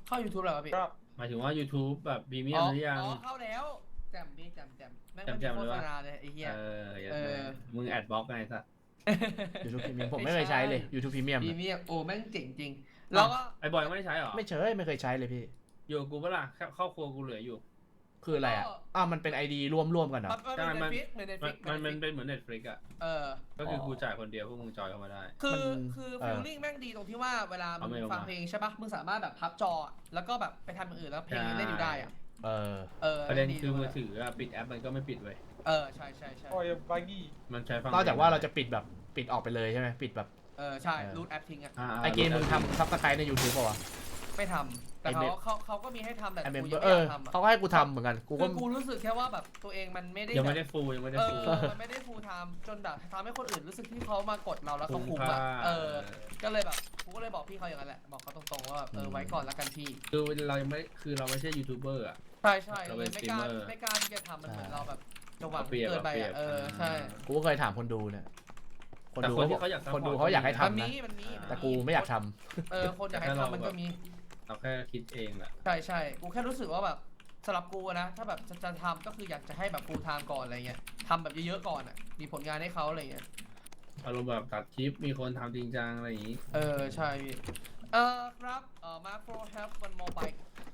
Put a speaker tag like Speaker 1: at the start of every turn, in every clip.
Speaker 1: เข้า YouTube แล้วพี่
Speaker 2: หมายถึงว่า YouTube แบบพรีเมียมหรือยัง
Speaker 1: เข้าแล้วแจ่มพี่แจ่มแม่งไม่มีโฆษณาเลยไอ้เหี้ย
Speaker 2: มึงแอดบล็อกไงสัส
Speaker 3: YouTube Premium ผมไม่เคยใช้เลย YouTube Premium
Speaker 1: โอ้แม่งเจ๋งจริงแล้วก็
Speaker 2: ไอ้บอยไม่ได้ใช้หรอ
Speaker 3: ไม่เคยใช้เลยพี่
Speaker 2: อยู่กูเปล่าครอบครัวกูเหลืออยู่
Speaker 3: คืออะไรอ่ะมันเป็น ID ร่วมกันเหรอ
Speaker 2: มันเป็นเหมือน Netflix อ่ะก็คือกูจ่ายคนเดียวพวกมึงจอยเข้ามาได้
Speaker 1: คือฟีลลิ่งแม่งดีตรงที่ว่าเวลามึงฟังเพลงใช่ปะมึงสามารถแบบพับจอแล้วก็แบบไปทำอย่างอื่นแล้วเพลงเล่นอยู่ได้อ่ะ
Speaker 2: ประเด็นคือมือถือปิดแอปมันก็ไม่ปิดเว้ย
Speaker 1: ใช่
Speaker 4: โอ้ยบางงี้
Speaker 2: มันใช้ฟัง
Speaker 3: นอกจากว่าเราจะปิดแบบปิดออกไปเลยใช่ไหมปิดแบบ
Speaker 1: ใช่รูทแอปทิ้งอ่ะ
Speaker 3: ไอเกมมึงทำซับสไครต์ใน YouTube ป่าวะ
Speaker 1: ไม่ทำแต่เขาก็มีให้ทำแต่กูยัง
Speaker 3: ไม่
Speaker 1: อยากทำ
Speaker 3: เขาก็ให้กูทำเหมือนกัน
Speaker 1: กูรู้สึกแค่ว่าแบบตัวเองมันไม่ได้
Speaker 2: ยังไม่ได้ฟูมันไม่
Speaker 1: ได้ฟูทำจนแบบทำให้คนอื่นรู้สึกที่เขามากดเราแล้วเขาคุ้มอ่ะก็เลยแบบกูก็เลยบอกพี่เขาอย่างนั้นแหละบอกเขาตรงๆว่าไว้ก่อนแล้วกันพี่
Speaker 2: คือเราไม่ใช่ยูทูบเบอร์อ่ะ
Speaker 1: ใช่เลยไม่กล้าที่จะทำมันเหมือนเราแบบจะหวังเกินไปใช่
Speaker 3: กูก็เคยถามคนดูเนี่ย
Speaker 2: คนดูเขา
Speaker 3: อยากให้ทำนะแต่กูไม่อยากท
Speaker 1: ำคนอยากให้ทำมันก็มี
Speaker 2: เราแค่คิดเองแหละ
Speaker 1: ใช่กูแค่รู้สึกว่าแบบสำหรับกูนะถ้าแบบจะทำก็คืออยากจะให้แบบฟูลไทม์ก่อนอะไรเงี้ยทำแบบเยอะๆก่อนอ่ะมีผลงานให้เขาอะไรเงี้ย
Speaker 2: อารมณ์แบบตัดคลิปมีคนทำจริงจังอะไรอย่างงี้
Speaker 1: ใช่พี่ครับMacro have one more bike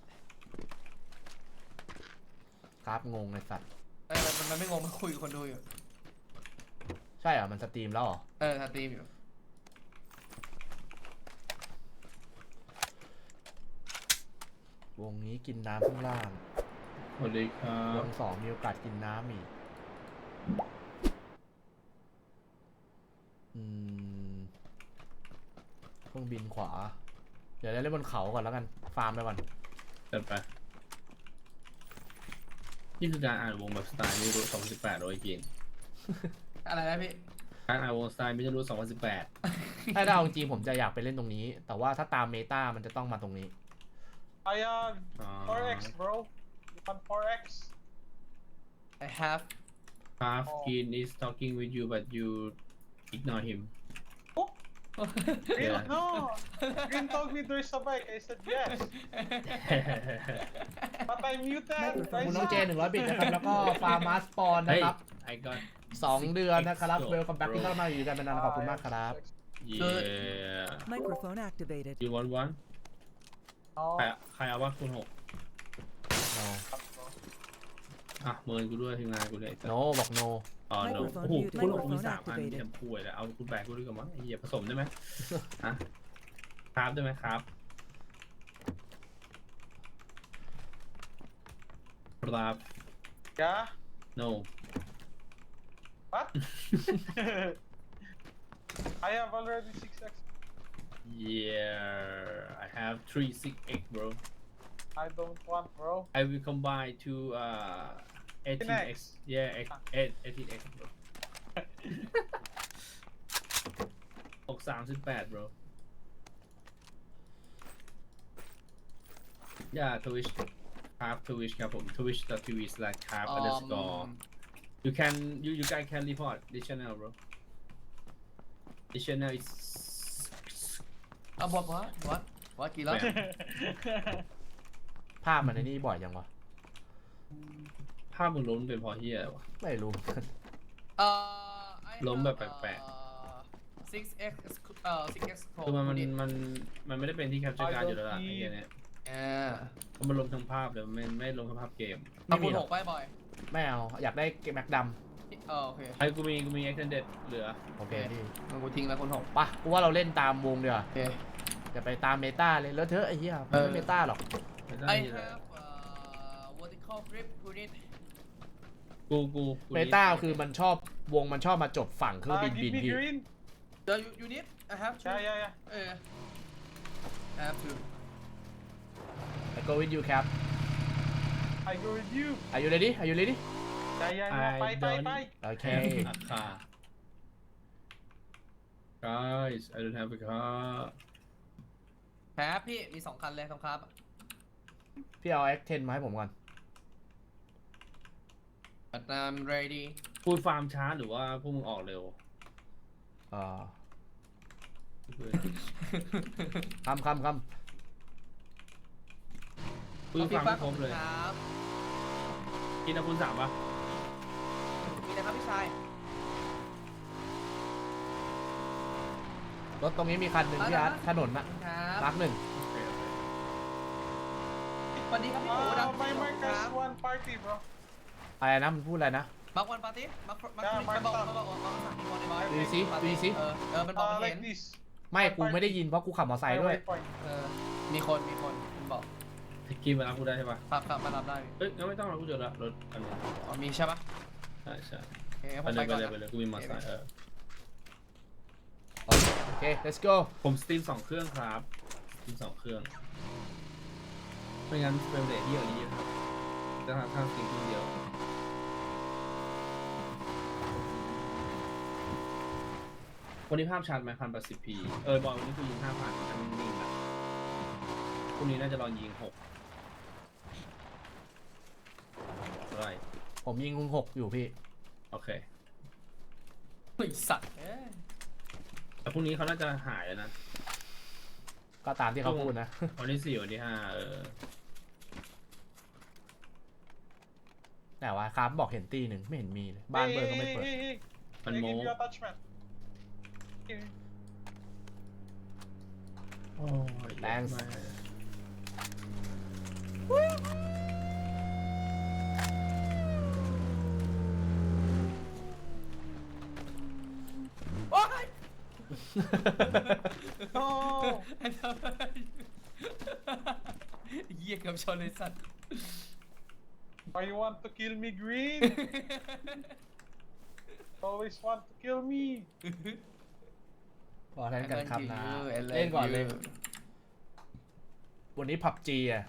Speaker 3: ครับงงไอ้สัตว์
Speaker 1: มันไม่งงมันคุยกับคนดูอยู่
Speaker 3: ใช่เหรอมันสตรีมแล้วเหรอ
Speaker 1: สตรีมอยู่
Speaker 3: วงนี้กินน้ำข้างล่าง
Speaker 2: สวัสดีครับ
Speaker 3: วง2มีโอกาสกินน้ำอีกเครื่องบินขวาเดี๋ยวเล่นบนเขาก่อนแล้วกันฟาร์มไปก่อน
Speaker 2: จัดไปนี่คือการอ่านวงแบบสไตล์ไม่รู้2018โดยจริง
Speaker 1: อะไรนะพี่
Speaker 2: การอ่านวงสไตล์ไม่รู้2018
Speaker 3: ถ้าเอาจริงผมจะอยากไปเล่นตรงนี้แต่ว่าถ้าตามเมตามันจะต้องมาตรงนี้
Speaker 4: I 4x bro you want 4x
Speaker 1: I have
Speaker 2: Half Keen is talking with you but you ignore him
Speaker 4: Green no Green told me there's a bike I said yes but I muted
Speaker 3: คุณน้องเจ100 บิตนะครับแล้วก็ฟาร์มาสปอนนะครับ2 เดือนนะครับเวลคัมแบ็กที่เข้ามาอยู่กันนานขอบคุณมากครับ
Speaker 2: Yeah
Speaker 5: Microphone activated
Speaker 2: You want one ใครเอาว่าคุณ6เมินกูด้วยทีมงานกูเลย
Speaker 3: โนบอกโน
Speaker 2: โนโอ้โหคุณ6มี3 อันที่ทำป่วยแล้วเอาคุณแบกกูด้วยกันมั้งไอ้เหี้ยผสมได้ไหมครับได้ไหมครับครับ
Speaker 4: Yeah
Speaker 2: No
Speaker 4: What I have already 6x
Speaker 2: Yeah I have 3 6x bro
Speaker 4: I don't want bro
Speaker 2: I will combine to 18x yeah 18x bro 38 bro yeah Twitch ครับ Twitch ครับผม twitch.tv/carp_underscore you guys can report this channel bro this channel is
Speaker 1: what กี่แล้ว
Speaker 3: ภาพมันในนี่บ่อยจังวะ
Speaker 2: ภาพมึงล้มเป็นเพราะเหี้ยวะ
Speaker 3: ไม่รู้
Speaker 2: ล้มแบบแปลก
Speaker 1: ๆ 6x
Speaker 2: คือมันไม่ได้เป็นที่แคปเจอร์การ์ดอยู่แล้วล่ะไอ้เหี้ยเนี่ยเพราะมันล้มทั้งภาพเลยไม่ล้มทั้งภาพเกม
Speaker 1: เอาคุณ6ไปบ่อย
Speaker 3: ไม่เอาอยากได้เกมแม็กดำ
Speaker 1: โอเค
Speaker 2: ไอ้กูมี extended เหลือ
Speaker 3: โอเคพี่
Speaker 1: มันกูทิ้งแล้วคุณ6
Speaker 3: ป่ะกูว่าเราเล่นตามวงเดียวอย่าไปตามเมตาเลยแล้วเธอไอ้เหี้ยไม่เมตาหรอก
Speaker 1: I have vertical grip unit
Speaker 2: กู
Speaker 3: เมตาคือมันชอบวงมันชอบมาจบฝั่งเครื่องบินพี่
Speaker 1: The unit I have to
Speaker 4: yeah
Speaker 1: I have to
Speaker 3: I go with you Cap
Speaker 4: I go with you
Speaker 3: Are you ready Are you ready
Speaker 4: ไป
Speaker 3: โอเค
Speaker 2: Guys I don't have a car
Speaker 1: แพ้พี่มี2 คันเลยครับ
Speaker 3: พี่เอา X10 มาให้ผมก่อน
Speaker 1: I'm ready
Speaker 2: พูดฟาร์มช้าหรือว่าพวกมึงออกเร็ว
Speaker 3: คำ
Speaker 2: ปืนฟังไม่ครบเลย
Speaker 1: ครับ
Speaker 2: กินอาวุธ3ปะ
Speaker 1: มีนะครับพี่ชาย
Speaker 3: รถตรงนี้มีคันหนึ่งพี่อาร์ตถนนนะ
Speaker 1: ครับ
Speaker 3: รักหนึ่ง
Speaker 1: สวัสดีครับพี่หมูดำ
Speaker 4: My
Speaker 1: ค
Speaker 4: Mark
Speaker 1: รับ
Speaker 4: has one party, bro.
Speaker 3: อะไรนะมันพูดอะไรนะ
Speaker 1: มาวันปาร์ตี้มาบอกสั่งมีคนในบ้าน
Speaker 3: ดูสิดูสิ
Speaker 1: มันบอกเห็น
Speaker 4: Like this.
Speaker 3: ไม่กูไม่ได้ยินเพราะกูขับมอเตอร์ไซค์ด้วย
Speaker 4: Waypoint.
Speaker 1: มีคนมันบอก
Speaker 2: กินมารับกูได้ใช่ปะ
Speaker 1: ครับมารับได้
Speaker 2: เอ้ยงั้นไม่ต้องรับกูเจอละรถอันนี้
Speaker 1: อ๋อมีใช่ปะ
Speaker 2: ใช่ใช่
Speaker 1: โอเคผ
Speaker 2: ไป
Speaker 1: ม
Speaker 2: เล
Speaker 1: ไป
Speaker 2: ยไป
Speaker 1: ก่อน
Speaker 2: เลยไปเลยกูมีมอเตอร์ไซค์
Speaker 3: โอเค let's go
Speaker 2: ผมสตรีม2 เครื่องครับสตรีม2 เครื่องไม่งั้นเฟรมเรทเยอะนี้ครับจะหาทางสตรีมเครื่องเดียววันนี้ภาพชัดไหม1080p บอลวันนี้กูยิง 5,000มันนิ่งๆนะพรุ่งนี้น่าจะลองยิง6อะไร
Speaker 3: ผมยิงคุณ6อยู่พี่
Speaker 2: โอเค
Speaker 1: ไอ้สัตว์
Speaker 2: แต่พรุ่งนี้เขาน่าจะหายแล้วนะ
Speaker 3: ก็ตามที่เขาพูดนะ
Speaker 2: วันที่ 4 วันที่ 5
Speaker 3: แต่ว่าครับบอกเห็นตีหนึ่งไม่เห็นมีเลยบ้านเบิร์ก็ไม่เปิด
Speaker 4: Hey.
Speaker 2: มัน
Speaker 4: I
Speaker 2: โม้
Speaker 4: give you attachment. Here.
Speaker 2: โอ้ย
Speaker 3: Thanks
Speaker 2: มาก
Speaker 1: โอ๊ย
Speaker 4: No.
Speaker 1: เหี้ยเกือบชนเลยสัตว์
Speaker 4: Why you want to kill me, Green? Always want to kill me.
Speaker 3: พอเล่นกันครับนะ
Speaker 1: I love you
Speaker 3: เล่นก่อนเลย วันนี้ผับจีอ่ะ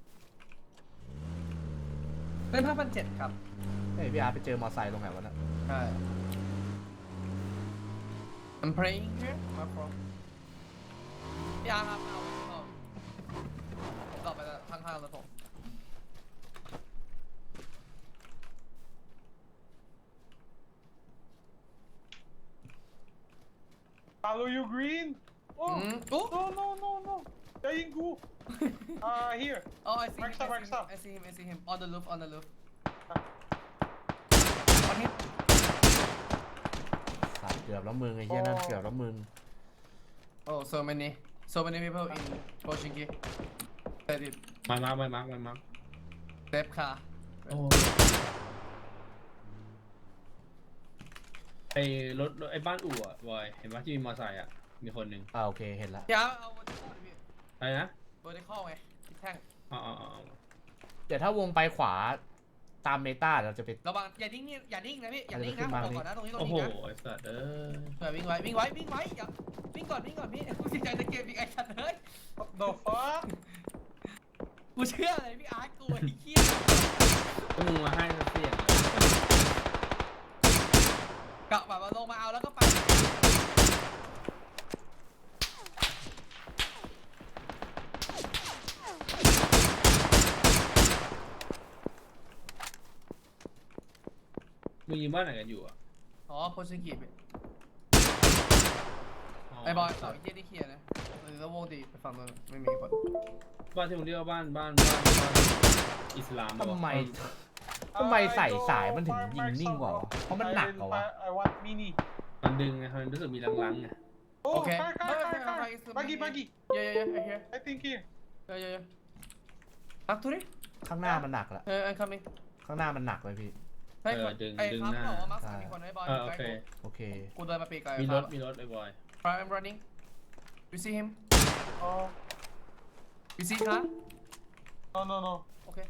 Speaker 1: เล่น5,700ครับ
Speaker 3: เฮ้ยพี่อาร์ตไปเจอมอเตอร์ไซค์ตรงไหนวะน่ะ
Speaker 1: ใช่ I'm praying here my friend พี่อาร์ครับเอาต่อไปข้างๆแล้วผม
Speaker 4: Follow you, Green. Oh.
Speaker 1: Oh.
Speaker 4: No. Daingu. Here.
Speaker 1: Oh I see
Speaker 4: Mark stop, mark stop.
Speaker 1: I see him on the roof on him
Speaker 3: สัตว์เกือบแล้วมึงไอ้เหี้ยนั่นเกือบแล้วมึง
Speaker 1: Oh so many people in Pochinki that it
Speaker 2: มาร์ก
Speaker 1: left car
Speaker 2: โอ้ไอ้รถไอ้บ้านอู่อะบอยเห็นว่าที่มีมอเตอร์ไซค์อะมีคนหนึ่ง
Speaker 3: โอเคเห็นละ
Speaker 1: อย่าเอา vertical ดิพี่
Speaker 2: อะไรนะ
Speaker 1: vertical ไงทิศแท่ง
Speaker 2: อ๋อ
Speaker 3: เดี๋ยวถ้าวงไปขวาตามเมตาเราจะไป
Speaker 1: ระวังอย่านิ่งนะพี่อย่านิ่งนะบอกก่อนนะตรงนี้
Speaker 2: โอ้โห
Speaker 1: นะ
Speaker 2: ไอ้สัตว์
Speaker 1: เผื่อวิ่งไว้อย่าวิ่งก่อนพี่กูจิตใจจะเกมอีกไอ้สัตว์เฮ้ย
Speaker 4: What the fuck?
Speaker 1: กูเชื่อเลยพี่อาร์ตกูไอ้เหี้ย
Speaker 2: ก็มึงมาให้เสียง
Speaker 1: กะแบบว่าลงมาเอาแล้วก็ไป
Speaker 2: มึงยิงบ้านไหนกันอยู่อะ
Speaker 1: อ๋อโพชิงกิไอ้บอยสองไอ้เหี้ยนี่เคลียร์นะแล้ววงดีไปฝั่งนู้นไม่มีคน
Speaker 2: บ้านที่มึงเรียกว่าบ้านอิสลาม
Speaker 3: ทำไมใส่สายมันถึงยิงนิ่งกว่าวะเพราะมันหนักกว่าวะ
Speaker 4: I want mini.
Speaker 2: มันดึงไงมันรู้สึกมีลังๆไง
Speaker 4: Oh,
Speaker 1: Okay.
Speaker 4: car. Buggy.
Speaker 1: Yeah, I hear.
Speaker 4: I think here.
Speaker 1: Yeah. Back to it.
Speaker 3: ข้างหน้ามันหนักละ
Speaker 1: I'm coming.
Speaker 3: ข้างหน้ามันหนักเลยพี่
Speaker 1: ไอ้ครับบอกว่ามาสามมีคนไอ้บอย
Speaker 2: โอเค
Speaker 3: โอเค
Speaker 1: กูเดินมาปีกไกล
Speaker 2: มีรถไอ้บอย
Speaker 1: I'm running. You see him?
Speaker 4: Oh.
Speaker 1: You see car?
Speaker 4: No.
Speaker 1: Okay.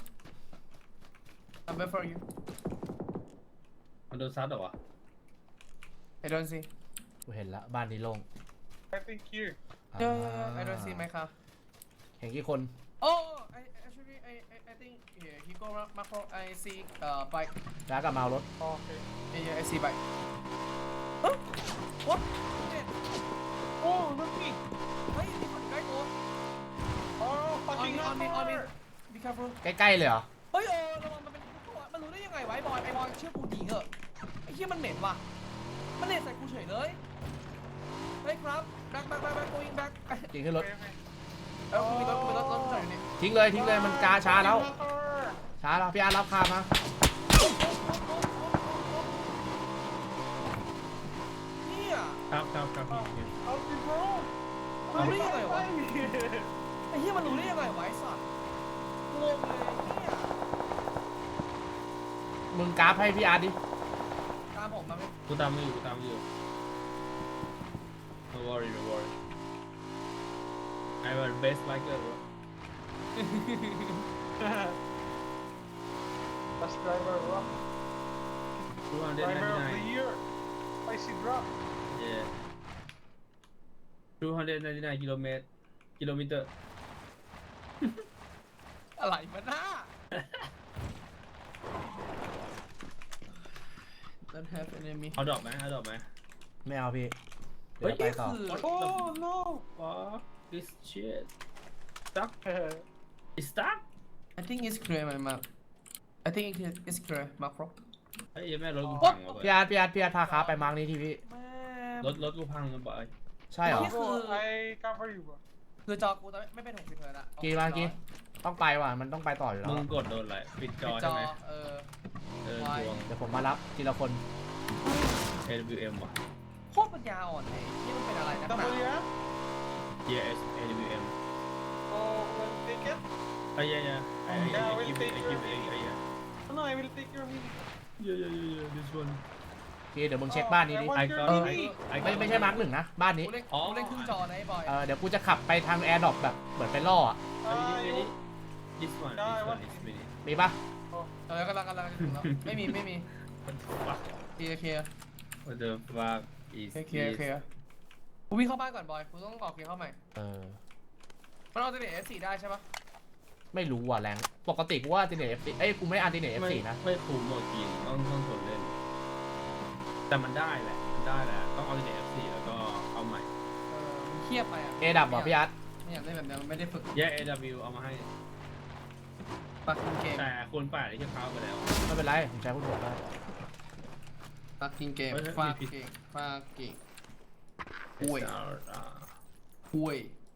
Speaker 1: I'm wait for you.
Speaker 2: มันโดนซัดเหรอวะ
Speaker 1: I don't see.
Speaker 3: กูเห็นละบ้านนี้โล่ง
Speaker 4: I think here.
Speaker 1: Yeah, I don't see my car.
Speaker 3: เห็นกี่คน
Speaker 1: Oh, I think yeah, he go macro. I see bike.
Speaker 3: แล้วกับเมารถ
Speaker 4: Okay.
Speaker 1: Yeah, I see bike. Huh? What?
Speaker 4: Oh, not me.
Speaker 1: เฮ้ยมีคนใกล้ตัว
Speaker 4: Oh, fucking
Speaker 1: on me.
Speaker 4: hammer.
Speaker 1: Be careful.
Speaker 3: ใกล้ๆเลยเหรอ
Speaker 1: เฮ้ยระวังมันเป็นตัวมันรู้ได้ยังไงวะไอ้บอยเชื่อกูดีเหอะไอ้เหี้ยมันเหม็นว่ะมันเหม็นใส่กูเฉยเลยเฮ้ยครับ back going back
Speaker 3: จริงขึ้นรถ
Speaker 4: Okay.
Speaker 1: กูมีรถจอดอยู่นี่
Speaker 3: ทิ้งเลยมันกาช้าแล้วพี่อาร์ตรับคามา
Speaker 1: เนี่ย
Speaker 2: ครับพี่
Speaker 4: Help me, bro.
Speaker 1: รู้ได้ยังไงวะไอ้เหี้ยมันรู้ได้ยังไงวะไอ้สัตว์งงเลยเนี่ย
Speaker 3: มึงกราฟให้พี่อาร์ตดิ
Speaker 1: ตามผมมาไหม
Speaker 2: กูตามไม่อยู่Don't worry I'm a best biker bro
Speaker 4: Best driver, bro. Driver of the
Speaker 2: 299
Speaker 4: year. Spicy drop.
Speaker 2: yeah 299กิโลเมตร
Speaker 1: อะไรมันน่า Don't have enemy
Speaker 2: เอาดอกไหม
Speaker 3: ไม่เอาพี่เดี๋ยว
Speaker 1: เฮ้ย
Speaker 3: ไป
Speaker 1: นี่
Speaker 3: ต่อ
Speaker 1: คือ
Speaker 4: Oh no.
Speaker 2: Fuck this shit stuck it's stuck
Speaker 1: I think it's clear my map I think it's clear macro
Speaker 2: เฮ้ยแม่รถกูพังว่ะ
Speaker 3: พี่อาร์ตพาค้าไปมาร์กนี้ทีพี่
Speaker 1: แม่
Speaker 2: รถกูพังนะบอย
Speaker 3: ใช่เหรอ
Speaker 1: นี่ คือ
Speaker 4: Bro, I cover you, bro.
Speaker 1: คือจอกูตอนไม่เป็น60เฮิร์ตซ์อะ
Speaker 3: กี่ต้องไปว่ะมันต้องไปต่ออยู่แล้ว
Speaker 2: มึงกดโดนอะไรปิดจ
Speaker 1: ปิ
Speaker 2: อ
Speaker 1: ดจ
Speaker 2: ใช่
Speaker 1: อ
Speaker 2: ไหม
Speaker 1: ไว
Speaker 2: ดวง
Speaker 3: เดี๋ยวผมมารับทีละคน
Speaker 2: AWM ว่ะ
Speaker 1: โคตรปัญญาอ่อนเลยนี่มันเป็นอะไรนักหนา
Speaker 4: WM?
Speaker 2: yes AWM
Speaker 4: Oh, will take it?
Speaker 2: ไอ้ยyeah I give it yeah
Speaker 4: Oh, no, I will take your mini.
Speaker 2: yeah this one
Speaker 3: โอเคเดี๋ยวมึงเช็คบ้านนี้ดิ
Speaker 4: I want your
Speaker 2: got
Speaker 4: mini.
Speaker 3: ไม่ใช่มาร์กหนึ่งนะบ้านนี้
Speaker 1: กูเล่นครึ่งจอนะไอ้บอย
Speaker 3: เดี๋ยวกูจะขับไปทางแอร์ดรอปแบบเหมือนไปล่ออ่ะ
Speaker 4: You-
Speaker 2: this one is mini
Speaker 3: มีปะ
Speaker 1: กำลังถึงแล้วไม่มี
Speaker 2: fuck
Speaker 1: เคลียร์
Speaker 2: what the fuck is
Speaker 1: เคลีย
Speaker 2: this
Speaker 1: ร์กูวิ่งเข้าบ้านก่อนบอยกูต้องออกเกียร์เข้าใหม่ มันเอาตัวเน็ต F4 ได้ใช่ปะ
Speaker 3: ไม่รู้ว่ะแรงปกติกูว่าอันติเนต F4 กูไม่อันติเนต F4 นะ
Speaker 2: ไม่คุ้มหมดกินต้องทนเล่น แต่มันได้แหละต้องเอาใน F4 แล้วก็เอาใหม่
Speaker 1: มันเครียดไปอ่ะ
Speaker 3: เอดับเหรอพี่อาร์ต
Speaker 1: ไม่อยากเล่นแบบนี้มันไม่ได้ฝึก
Speaker 2: แยก AW เอามาให้
Speaker 1: ปักกินเกม
Speaker 2: แต่คนป่าดไอ้ที่เขาไปแล้ว
Speaker 3: ไม่เป็นไรผมใช้คุณหัวได้
Speaker 1: ปักกินเกม
Speaker 2: เฮ้ย
Speaker 1: ฟาเก่งห่วย ห่วย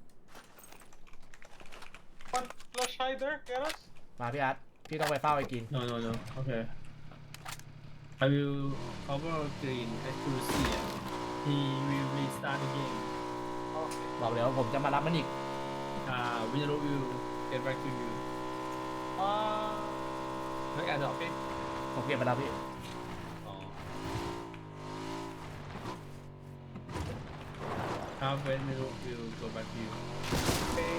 Speaker 4: One flush hider, get us?
Speaker 3: มาพี่อาร์ตพี่ต้องไปเฝ้าไอ้กิน
Speaker 2: no okay I will cover green accuracy he will restart the game
Speaker 4: Okay.
Speaker 3: บอกเดี๋ยวผมจะมารับมันอีก
Speaker 2: Winner will get back to you ไม่การดอก
Speaker 4: Okay.
Speaker 3: ผมเก็บมาแล้วพี่
Speaker 2: อ๋อครับ Winner will go back to you
Speaker 4: Okay.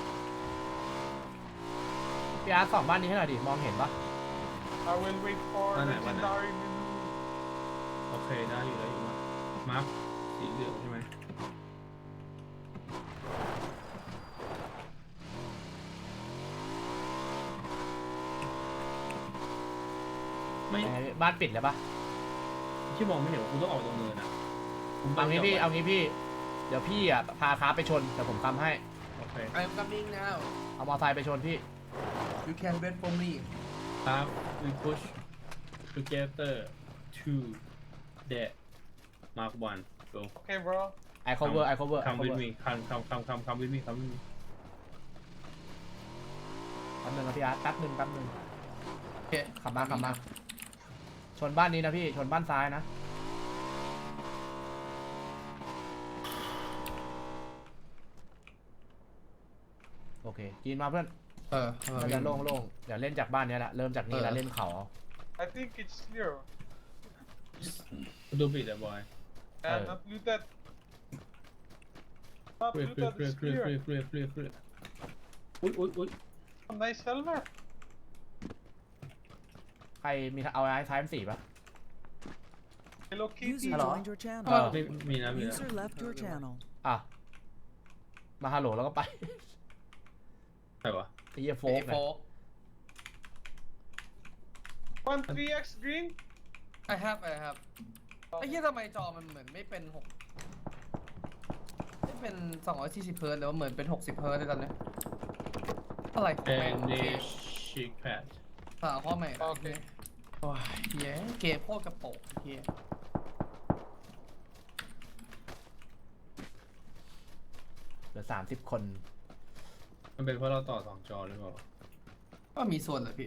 Speaker 3: พี่อาร์ตส่องบ้านนี้ให้หน่อยดิมองเห็นปะ
Speaker 4: I will wait for
Speaker 2: One night.
Speaker 4: legendary menu.
Speaker 2: โอเคได้อยู่มาร์คสีเหลืองใช่ไหมไม่
Speaker 3: ยังไงพี่บ้านปิดแล้วปะ
Speaker 2: ที่มองไม่เห็นว่ากูต้องออกตรงเนินอ่ะ
Speaker 3: เอางี้พี่เดี๋ยวพี่อ่ะพาค้าไปชนแต่ผมทำให้
Speaker 2: โอเค
Speaker 1: I'm coming now
Speaker 3: เอามอไซค์ไปชนพี่
Speaker 1: you can wait for me
Speaker 2: ครับ we push together to the mark one go
Speaker 4: Okay, bro.
Speaker 3: I cover
Speaker 2: come with me come with me
Speaker 3: แป๊บนึงนะพี่อาร์ตแป๊บนึง
Speaker 1: โอเค
Speaker 3: ขับมาชนบ้านนี้นะพี่ชนบ้านซ้ายนะโอเคกินมาเพื่อนมันจะโล่งเดี๋ยวเล่นจากบ้านนี้แหละเริ่มจากนี้แล้วเล่นเขา
Speaker 4: I think it's clear.
Speaker 2: ดูปิดอ่ะบอย
Speaker 4: Yeah, not looted. Not
Speaker 2: เคลียร์
Speaker 4: looted, it's clear.
Speaker 2: อุ้ย
Speaker 4: Nice helmet.
Speaker 3: ใครมีเอาไอ้ท้ายสี่ปะ
Speaker 4: Hello Kitty.
Speaker 5: User
Speaker 3: Hello.
Speaker 5: joined your channel.
Speaker 2: ไม่มีนะ
Speaker 5: User left your channel.
Speaker 3: อ่ะมาฮัลโหลแล้วก็ไป
Speaker 2: ใครวะ
Speaker 3: ไอ้เหี้ยโฟ
Speaker 1: โฟ
Speaker 3: กเนี่ย
Speaker 4: One 3x green.
Speaker 1: I have ไอ้เหี้ยทำไมจอมันเหมือนไม่เป็นไม่เป็น240เฮิร์ตซ์หรือว่าเหมือนเป็น60เฮิร์ตซ์เลยตอนนี้อะไรของ
Speaker 2: แอ
Speaker 1: แม่ง
Speaker 2: นเดชิกแพด
Speaker 1: สาวข้อใหม่นะ
Speaker 4: โอเค
Speaker 1: โอ้ยเหี้ยเกมโคตรกระโปงเหี้ย
Speaker 3: เหลือ30 คน
Speaker 2: มันเป็นเพราะเราต่อ2 จอหรือเปล่า
Speaker 1: ก็มีส่วนแหละพี่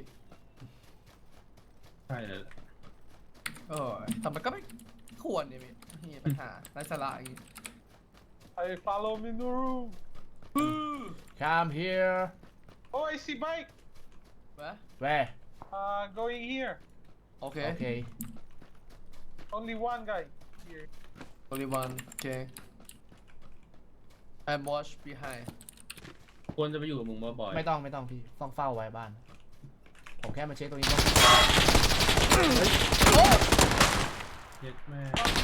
Speaker 2: ใช่เลย
Speaker 1: แต่มันก็ไม่ควรเนี่ยพี่มีปัญหาไร้สาระอย่างงี้
Speaker 4: Hey, follow me in the room.
Speaker 3: Come here
Speaker 4: Oh, I see bike.
Speaker 3: where
Speaker 4: Going here.
Speaker 1: โอเค
Speaker 3: okay
Speaker 4: Only one guy here.
Speaker 1: only one okay I'm watch behind
Speaker 2: ควรจะไปอยู่กับมึงบ่อยๆ
Speaker 3: ไม่ต้องพี่ต้องเฝ้าไว้บ้าน ผมแค่มาเช็คตรงนี้ก็
Speaker 2: เย็ดแม่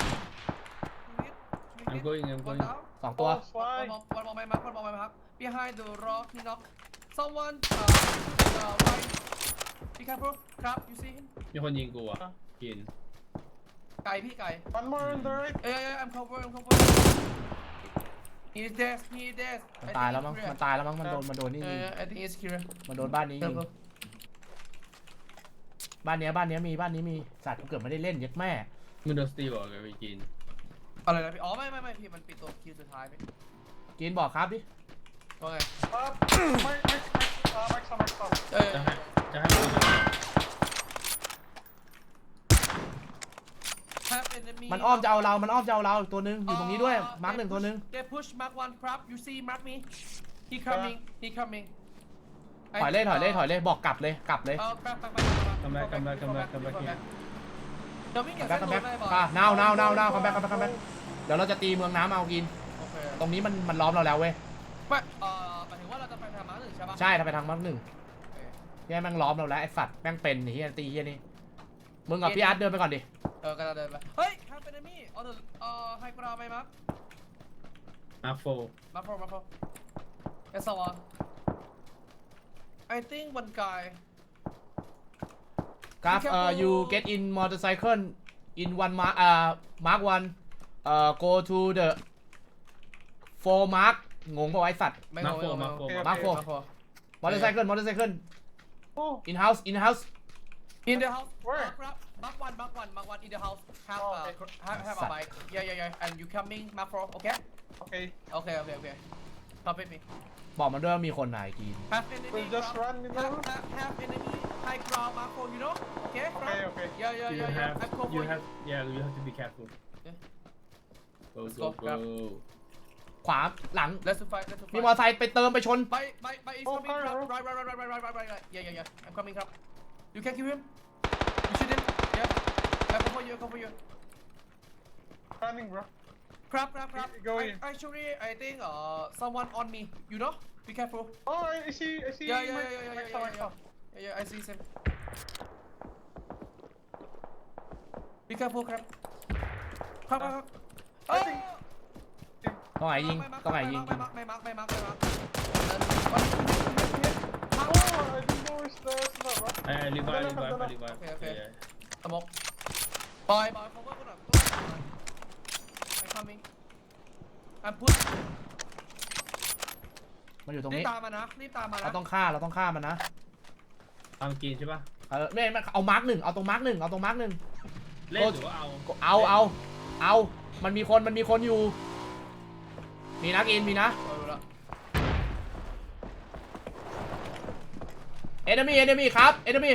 Speaker 1: I'm
Speaker 2: I'm going
Speaker 3: สองตัว
Speaker 4: Oh, fly.
Speaker 1: One more mark. Behind the rock, he knock. Someone, right. Be careful. Crab, you see him?
Speaker 2: มีคนยิงกูอ่ะกิน
Speaker 1: ไก่พี่ไก่
Speaker 4: One more on the right.
Speaker 1: I'm cover. He's dead.
Speaker 3: มันตายแล้วมั้งมันโดนนี่ยิง
Speaker 1: I think he's clear.
Speaker 3: มันโดนบ้านนี้ยิง บ้านเนี้ยมีสัตว์กูเกือบไม่ได้เล่นเย็ดแม่
Speaker 2: มึงโดนสตีบอกกับไปกิน
Speaker 1: อะไรนะพี่อ๋อไม่พี่มันปิดตัวคิวสุดท้ายพี่
Speaker 3: กินบอกครับดิ
Speaker 1: ว่าไง
Speaker 4: Mark some.
Speaker 2: จะให้มึง
Speaker 3: มันอ้อมจะเอาเราตัวนึงอยู่ตรงนี้ด้วยมาร์คหนึ่งตัวนึง
Speaker 1: They push mark one crab. You see mark me. He coming.
Speaker 3: ถอยเลยบอกกลับเลย
Speaker 1: crab.
Speaker 2: คัมแบ็ก
Speaker 1: เดี๋ยววิ่ง
Speaker 3: คั
Speaker 1: เก็
Speaker 3: ม
Speaker 1: บ
Speaker 3: แบ็ก
Speaker 1: เส้น
Speaker 3: คัม
Speaker 1: โด
Speaker 3: แบ็ก
Speaker 1: นได้ป่ะ
Speaker 3: นาวคัมแบ็กเดี๋ยวเราจะตีเมืองน้ำเอากิน
Speaker 1: โอเค
Speaker 3: ตรงนี้มันล้อมเราแล้วเว้ย
Speaker 1: ไม่หมายถึงว่าเราจะไปทางม้าหนึ่งใช่ปะ
Speaker 3: ใช่ถ้าไปทางมาร์คหนึ่งที่แม่งล้อมเราแล้วไอ้สัตว์แม่งเป็นไอ้เหี้ยตีเหี้ยนี่มึงกับพี่อาร์ตเดินไปก่อนดิ
Speaker 1: ก็จะเดินไปเฮ้ยทางเป็นมี่ไฮกราวไหมมั้ง
Speaker 2: มาโฟ
Speaker 1: มาโฟเอสวะ I think one guy
Speaker 3: ครับ you get in motorcycle in one mark one go to the four mark งงป่ะไอ้สัตว์
Speaker 1: ไม่รู้
Speaker 3: Mark 4 motorcycle
Speaker 4: Oh,
Speaker 3: in house
Speaker 1: in the house
Speaker 4: Where?
Speaker 1: Mark one in the house have
Speaker 4: Oh, okay.
Speaker 1: have a bike yeah and you coming Mark 4 okay
Speaker 4: okay.
Speaker 1: Stop with me
Speaker 3: บอกมันด้วยว่ามีคนไหนกิน
Speaker 1: have enemy
Speaker 4: We'll just run in the room.
Speaker 1: have enemy high ground Mark 4 you know okay
Speaker 4: Okay.
Speaker 1: yeah I'm cover
Speaker 2: you have to be careful go
Speaker 3: ขวาหลัง
Speaker 1: let's fight
Speaker 3: มีมอเตอร์ไซค์ไปเติมไปชน
Speaker 1: by is
Speaker 4: Oh,
Speaker 1: coming
Speaker 4: car,
Speaker 1: right yeah I'm coming crab you can kill him you shoot him yeah I cover you
Speaker 4: Running, bro.
Speaker 1: crab
Speaker 4: Go in.
Speaker 1: actually I think someone on me you know be careful
Speaker 4: Oh, I see.
Speaker 1: yeah I see him be careful crab
Speaker 4: I think.
Speaker 3: ต้องไหนยิง
Speaker 1: ไม่มา
Speaker 3: วันนี้
Speaker 4: Oh, I didn't know it's the bro.
Speaker 2: ไอ้รีไว
Speaker 1: Okay. สมองบอย cover กูหน่อยI'm coming I'm push
Speaker 3: มันอยู่ตรง
Speaker 1: รีบ
Speaker 3: นี้
Speaker 1: ตามมานะ
Speaker 3: เราต้องฆ่ามันนะ
Speaker 2: ทำกินใช่ปะ
Speaker 3: ไม่เอามาร์คหนึ่งเอาตรงมาร์คหนึ่ง
Speaker 2: เล่นหรือว่า
Speaker 3: เอามันมีคนอยู่มีนะกินมีนะ enemy ครับ enemy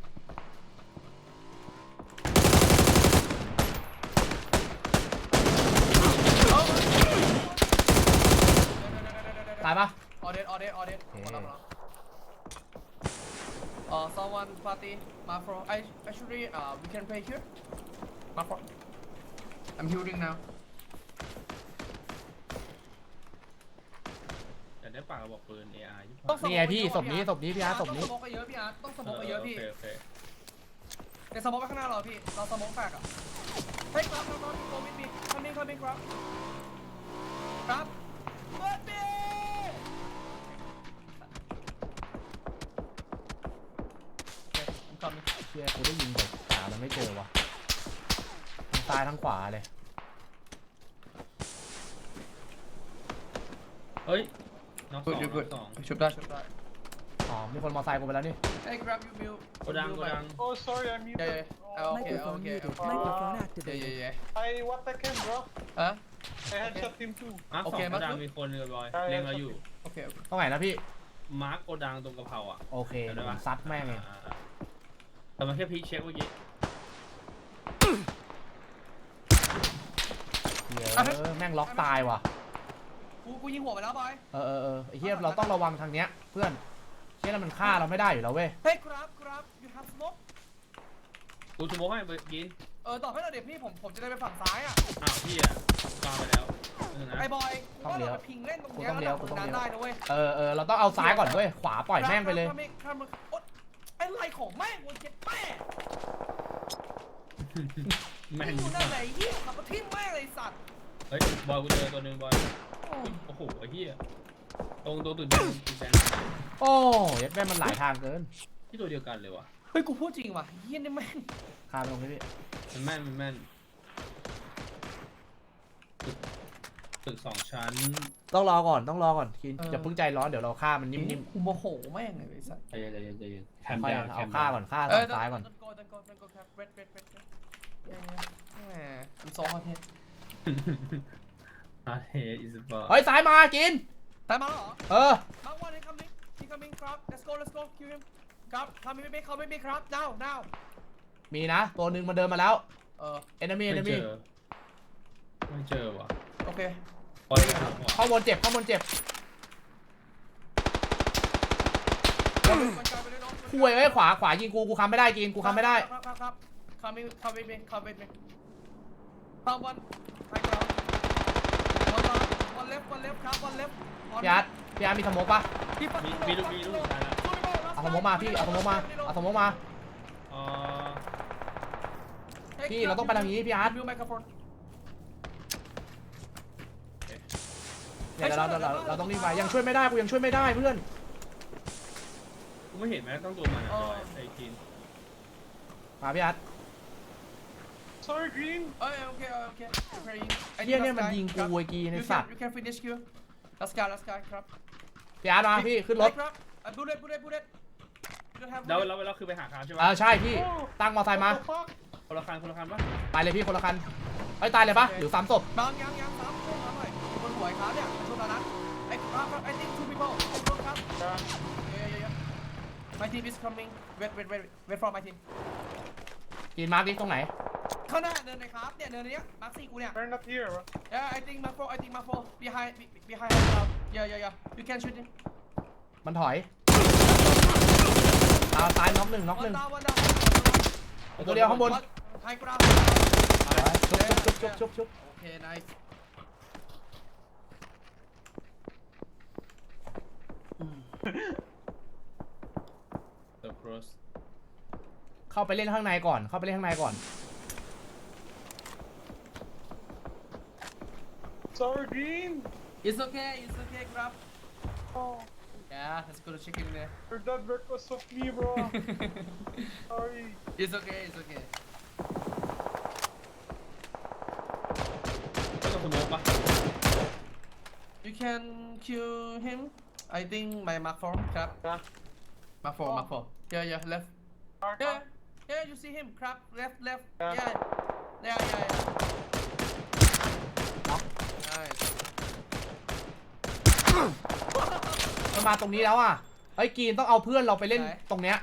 Speaker 3: ตายปะ
Speaker 1: all dead someone party Mafro actually we can play here Mafro I'm healing now
Speaker 2: แต่ได้ปากกระบอกปืน AR
Speaker 3: นี่ไงพี่ศพนี้พี่อาร์ตศพนี้
Speaker 1: ต้องสโมกไปเยอะพี่อาร์ตต้องสโมกไปเยอะพี่
Speaker 2: โอเค
Speaker 1: ในสโมกไปข้างหน้าเราพี่เราสโมกแตกอ่ะเฮ้ยครับโควิดมีcomingครับเปิดดิI'm coming
Speaker 3: เชี่ยกูได้ยิงแต่หามันไม่เจอวะทั้งซ้ายทั้งขวาเลย
Speaker 2: เฮ้ยน้องสอง
Speaker 1: ชุบได้
Speaker 3: อ๋อมีคนมอไซค์กูไปแล้วนี่
Speaker 1: Hey grab you Bill
Speaker 2: โกดัง
Speaker 4: Oh, sorry, I'm muted.
Speaker 1: Yeah.
Speaker 4: Oh,
Speaker 5: Microphone muted.
Speaker 1: Okay.
Speaker 5: Microphone activated.
Speaker 1: yeah
Speaker 4: I what I can, bro.
Speaker 1: ฮะ
Speaker 4: I headshot him too.
Speaker 2: มาร์ค 2 โกดังมีคนเลยบอยเล็งเราอยู่
Speaker 1: โอเค
Speaker 3: ตรงไหนนะพี่
Speaker 2: มาร์กโกดังตรงกระเพราอ่ะ
Speaker 3: โอเคเดี๋ยวผมซัดแม่งเอง
Speaker 2: แต่มันแค่พีคเช็คเมื่อกี้
Speaker 3: เหี้ยแม่งล็อกตายว่ะ
Speaker 1: กูยิงหัวไปแล้วบอย
Speaker 3: ไอ้เหี้ยเราต้องระวังทางเนี้ยเพื่อนเชี่ยแล้วมันฆ่าเราไม่ได้อยู่แล้วเว้ย
Speaker 1: เฮ้ยครับ you have smoke
Speaker 2: กูสโมกให้ไปกิน
Speaker 1: ตอบให้เราเดี๋ยวพี่ผมจะได้ไปฝั่งซ้ายอ่ะ
Speaker 2: อ้าวพี่อ่ะปาไปแล้วนะ
Speaker 1: ไอ้บอยว่าเราไปพิงเล่นตรงเนี้ยแล้วเราดันได้นะเว้ย
Speaker 3: เราต้องเอาซ้ายก่อนเว้ยขวาปล่อยแม่งไปเลย
Speaker 1: ถ้ามึงไอ้ไรของแม่งกูเจ็บแม่
Speaker 2: แม่น
Speaker 1: กูนั่นไหนเหี้ยขับมาทิ้งแม่งเลยสัตว์
Speaker 2: เฮ้ยบอยกูเจอตัวหนึ่งบอยโอ้โหไอ้เหี้ยตรงตัวตื่นแดง
Speaker 3: โอ้ยแม่งมันหลายทางเกิน
Speaker 2: ที่ตัวเดียวกันเลยว่ะ
Speaker 1: เฮ้ยกูพูดจริงว่ะเหี้ยนี่แม่ง
Speaker 3: ฆ่าไปตรงนี้พี่
Speaker 2: มันแม่นตึก2 ชั้น
Speaker 3: ต้องรอก่อนคินอย่าเพิ่งใจร้อนเดี๋ยวเราฆ่ามันนิ่ม
Speaker 1: กูโมโหแม่งเลยไอ้สัตว์
Speaker 2: ใจเย็นแค
Speaker 3: ๆ
Speaker 2: ม
Speaker 3: ค่อย
Speaker 2: ดาว
Speaker 3: เอาฆ่าก่อนฆ่าซ้ายก่อน
Speaker 1: ต้นโกครับเรดมันซ้อมมาเทศ
Speaker 2: อาเทอิสบอร์
Speaker 3: เฮ้ยซ้ายมากิน
Speaker 1: ตายมาแล้วเหรอ มาวันนี้ coming ครับ let's go kill him ครับทำไม่ครับ now
Speaker 3: มีนะตัวหนึ่งมันเดินมาแล้ว enemy
Speaker 2: ไม่เจอว่ะ
Speaker 1: โอเค
Speaker 2: บอย
Speaker 3: ข้างบนเจ็บคุยขวายิงกูค้ำไม่ได้กินกูค้ำไม่ได้
Speaker 1: ครับ coming me someone high ground one left ครับ one left
Speaker 3: พี่อาร์ตมีสโมกปะ
Speaker 2: มีลูกสุดท้ายแล้ว
Speaker 3: เอาสโมกมาพี่เอาสโมกมาพี่เราต้องไปทางนี้พี่อาร์ต
Speaker 1: วิวไมโครโฟน
Speaker 3: เนี่ยเราต้องรีบไปยังช่วยไม่ได้กูยังช่วยไม่ได้เพื่อน
Speaker 2: กูไม่เห็นแม้ต้องตัวมันไอ้กิน
Speaker 3: มาพี่อาร์ต
Speaker 4: Sorry, Green.
Speaker 1: โอเค
Speaker 3: ไอ้เหี้ยเนี่ยมันยิงกูไอ้กีในสัตว์
Speaker 1: you can finish kill last guy ครับ
Speaker 3: พี่อาร์ตมาพี่ขึ้นรถ
Speaker 1: ครับบูเด็ด
Speaker 2: แล้วคือไปหาคามใช่ไหม
Speaker 3: ใช่พี่ตั้งมอไซค์มา
Speaker 4: What the fuck?
Speaker 2: คนละคันปะ
Speaker 3: ไปเลยพี่คนละคันเฮ้ยตายเลยปะหรือ3 ศพ
Speaker 1: บางยัง3ช่วงนั้นหน่อยบนหัวไอ้ครับเนี่ยช่วงนั้นไอ้ครับ I think 2 people ครับ yeah my team is coming wait for my team
Speaker 3: กินมาร์กดิตรงไหน
Speaker 1: ข้างหน้าเนินไหนครับเนี่ยเนินนี้มาร์ค4กูเนี่ย
Speaker 4: They're not here, bro.
Speaker 1: yeah I think mark 4 behind yeah you can shoot him
Speaker 3: มันถอยตายน็อกหนึ่ง
Speaker 1: one down
Speaker 3: ตัวเดียวข้างบน
Speaker 1: high ground
Speaker 3: ชุบ
Speaker 1: โอเค nice
Speaker 2: เดอะครอส
Speaker 3: เข้าไปเล่นข้างในก่อน
Speaker 4: Sorry, Green.
Speaker 1: it's okay ครับ
Speaker 4: Oh,
Speaker 1: yeah let's go to chicken there
Speaker 4: your dad work was of me, bro. Sorry.
Speaker 1: it's okay
Speaker 2: ไม่ต้องสโมกปะ
Speaker 1: you can kill him I think my mark 4ครับ
Speaker 4: Yeah.
Speaker 1: mark 4 yeah left
Speaker 4: Mark,
Speaker 1: yeah you see him ครับ left
Speaker 4: Yeah.
Speaker 1: yeah
Speaker 3: Knock.
Speaker 1: nice
Speaker 3: มันมาตรงนี้แล้วอ่ะเฮ้ยกีนต้องเอาเพื่อนเราไปเล่น
Speaker 1: ไหน
Speaker 3: ตรงเนี้ย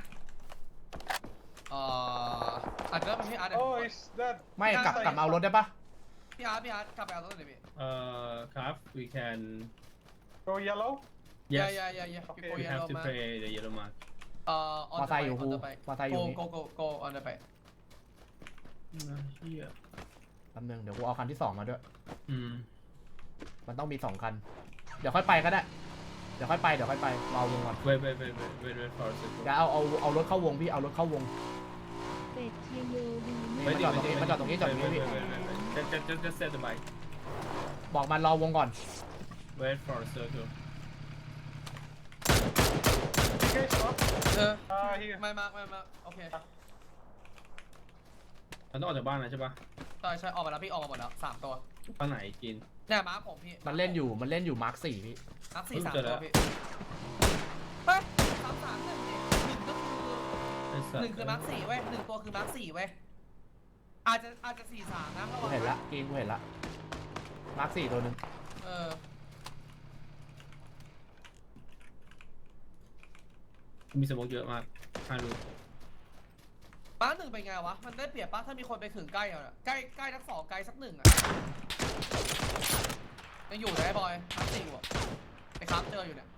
Speaker 1: อาจจะเป็นพี่อาร์ต
Speaker 4: Oh, he's dead.
Speaker 3: ไม่กลับมาเอารถได้ปะ
Speaker 1: พี่อาร์ตกลับไปเอารถเลยพี่
Speaker 2: ครับ we can
Speaker 4: Go yellow.
Speaker 2: yes
Speaker 1: yeah
Speaker 4: Okay.
Speaker 1: before
Speaker 2: we have
Speaker 1: yellow
Speaker 2: to
Speaker 1: man
Speaker 2: play the yellow mark
Speaker 1: on
Speaker 3: มอ
Speaker 1: the
Speaker 3: ไซค์อยู่
Speaker 1: bike
Speaker 3: กู
Speaker 1: on the bike
Speaker 3: มอไซค์อยู่นี่
Speaker 1: go on the bike
Speaker 2: เฮีย
Speaker 3: แป๊บนึงเดี๋ยวกูเอาคันที่2มาด้วย
Speaker 2: ม
Speaker 3: มันต้องมี2 คันเดี๋ยวค่อยไปก็ได้เดี๋ยวค่อยไปรอวงก่อน
Speaker 2: wait for a second
Speaker 3: เดี๋ยวเอารถเข้าวงพี่เอารถเข้าวง
Speaker 5: เป็ดเทียโยดี
Speaker 3: มันจอดตรงนี้พี่
Speaker 2: just set the bike
Speaker 3: บอกมันรอวงก่อน
Speaker 2: wait for a circle
Speaker 4: Okay, stop.
Speaker 1: ไม่
Speaker 4: Here.
Speaker 1: มาโอเค
Speaker 2: มันต้องออกจากบ้านนะใช่ปะ
Speaker 1: ใช่ออกมาแล้วพี่ออกมาหมดแล้ว3ตัว
Speaker 2: ตอนไหนกิน
Speaker 1: เนี่ยมาร์คผมพี่
Speaker 3: มันเล่นอยู่มาร์ค4พี่
Speaker 1: มาร์ค4 3
Speaker 2: เจอแล้
Speaker 1: ตัว
Speaker 2: ว
Speaker 1: พี่เฮ้ย3 1นี่1ก็คือ
Speaker 2: ไอ้สัตว์
Speaker 1: 1คือมาร์ค4เว้ย1ตัวคือมาร์ค4เว้ยอาจจะ4 3นะ
Speaker 3: กูเห็นละกีนกูเห็นละมาร์ค4ตัวหนึ่ง
Speaker 2: มีสโมกเยอะมาก5 ลูก
Speaker 1: ป้าหนึ่งเป็นไงวะมันได้เปรียบป้าถ้ามีคนไปถึงใกล้อ่ะใกล้ทั้งสองไกลสักหนึ่งอ่ะยังอยู่นะไอ้บอยทั้งสี่ว่ะไอ้ครับเจออยู่เนี่ย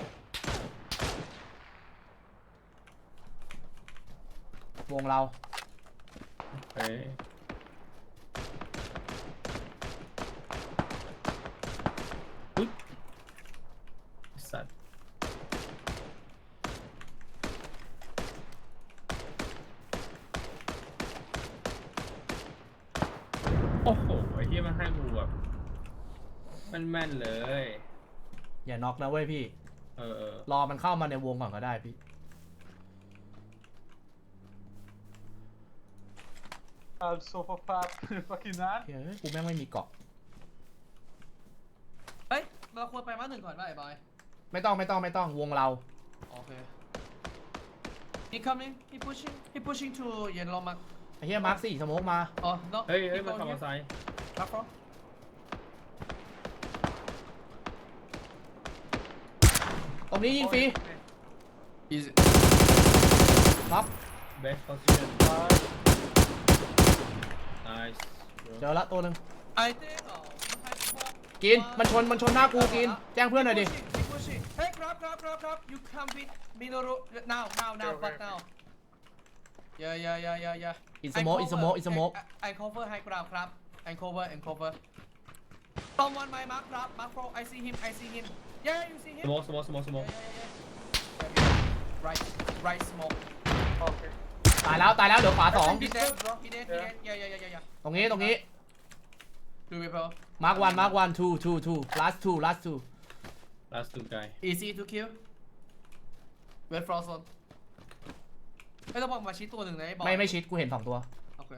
Speaker 3: วงเรา
Speaker 2: เฮ้ยอุ๊ยสัตว์โอ้โหไอ้ที่มันให้กูแบบแม่นๆเลย
Speaker 3: อย่าน็อกนะเว้ยพี่
Speaker 2: เออ
Speaker 3: รอมันเข้ามาในวงก่อนก็ได้พี่
Speaker 4: Also for fat fucking man.
Speaker 3: เฮ้ยกูแม่งไม่มีเกาะ
Speaker 1: เฮ้ยเราควรไปมาหนึ่งก่อนป่ะไอ้บอย
Speaker 3: ไม่ต้องวงเรา
Speaker 1: โอเค he coming he pushing to เย็นลงมา
Speaker 3: ไอ้เหี้ยมาร์ค4สโมกมา
Speaker 1: อ๋อ no
Speaker 2: เฮ้ยมันขับมอเตอร์ไซค์
Speaker 1: รับฟรอ
Speaker 3: ตรงนี้ยิงฟรี
Speaker 1: easy
Speaker 3: ครับ
Speaker 2: best position nice bro
Speaker 3: เจอละตัวหนึ่ง
Speaker 1: I think
Speaker 3: กินมันชนหน้ากูกิน แจ้งเพื่อนหน่อยดิ
Speaker 1: เฮ้ยครับ you come with Minoru now but now yeah
Speaker 3: อินสโมก
Speaker 1: I cover high ground ครับ I cover someone my mark ครับ mark pro I see him yeah you see him
Speaker 2: smoke
Speaker 1: right smoke
Speaker 4: Okay.
Speaker 3: ตายแล้วเดี๋ยวขวา 2
Speaker 1: he dead yeah
Speaker 3: ตรงนี้
Speaker 1: two people
Speaker 3: มาร์ค1 2 last two
Speaker 2: last 2 guy
Speaker 1: easy to kill wait for zone ไม่ต้องบอกมาชี้ตัวหนึ่งนะไอ้บอล
Speaker 3: ไม่ชิดกูเห็น 2 ตัว
Speaker 1: โอเค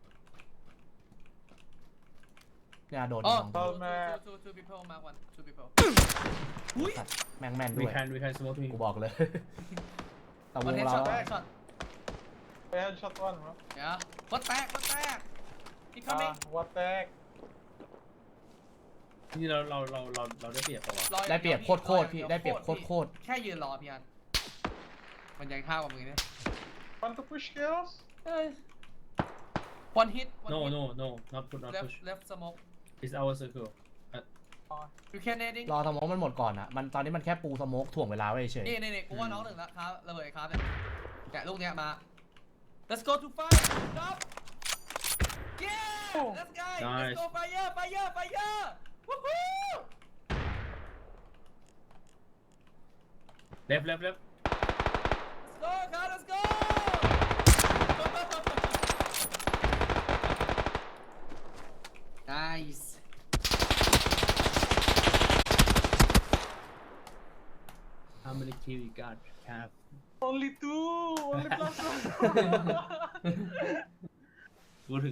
Speaker 3: เนี่ยโดน
Speaker 1: อ๋อ
Speaker 3: 2 ตัว
Speaker 1: two people mark one two people อุ้ย
Speaker 3: แม่งแม่นด้
Speaker 2: we
Speaker 3: วย
Speaker 2: can smoke him
Speaker 3: กูบอกเลย แต่ว
Speaker 1: one
Speaker 3: ง
Speaker 1: head
Speaker 3: เรา
Speaker 1: shot one head shot
Speaker 4: I headshot one, bro.
Speaker 1: เดี๋ยววัดแตกอีกครั้งนึง
Speaker 4: What the heck?
Speaker 2: นี่เราได้เปรียบปะวะ
Speaker 3: ได้เปรียบโคตรพี่ได้เปรียบโคตร
Speaker 1: แค่ยืนรอพี่อันมันยังเท่ากับมึงเนี่ย
Speaker 4: Want to push chaos?
Speaker 1: เฮ้ย one hit
Speaker 2: no not push
Speaker 1: left smoke
Speaker 2: it's our circle
Speaker 1: you can nading
Speaker 3: รอสโมกมันหมดก่อนอ่ะมันตอนนี้มันแค่ปูสโมกถ่วงเวลาไว้เฉย
Speaker 1: นี่กูว่าน้องหนึ่งแล้วครับระเบิดครับเนี่ยแกะลูกเนี้ยมา let's go to fight stop yeah let's go let's go fire woohoo
Speaker 2: left
Speaker 1: let's go guys let's go nice
Speaker 2: how many kill you got Cap
Speaker 4: Only two! Only plus one!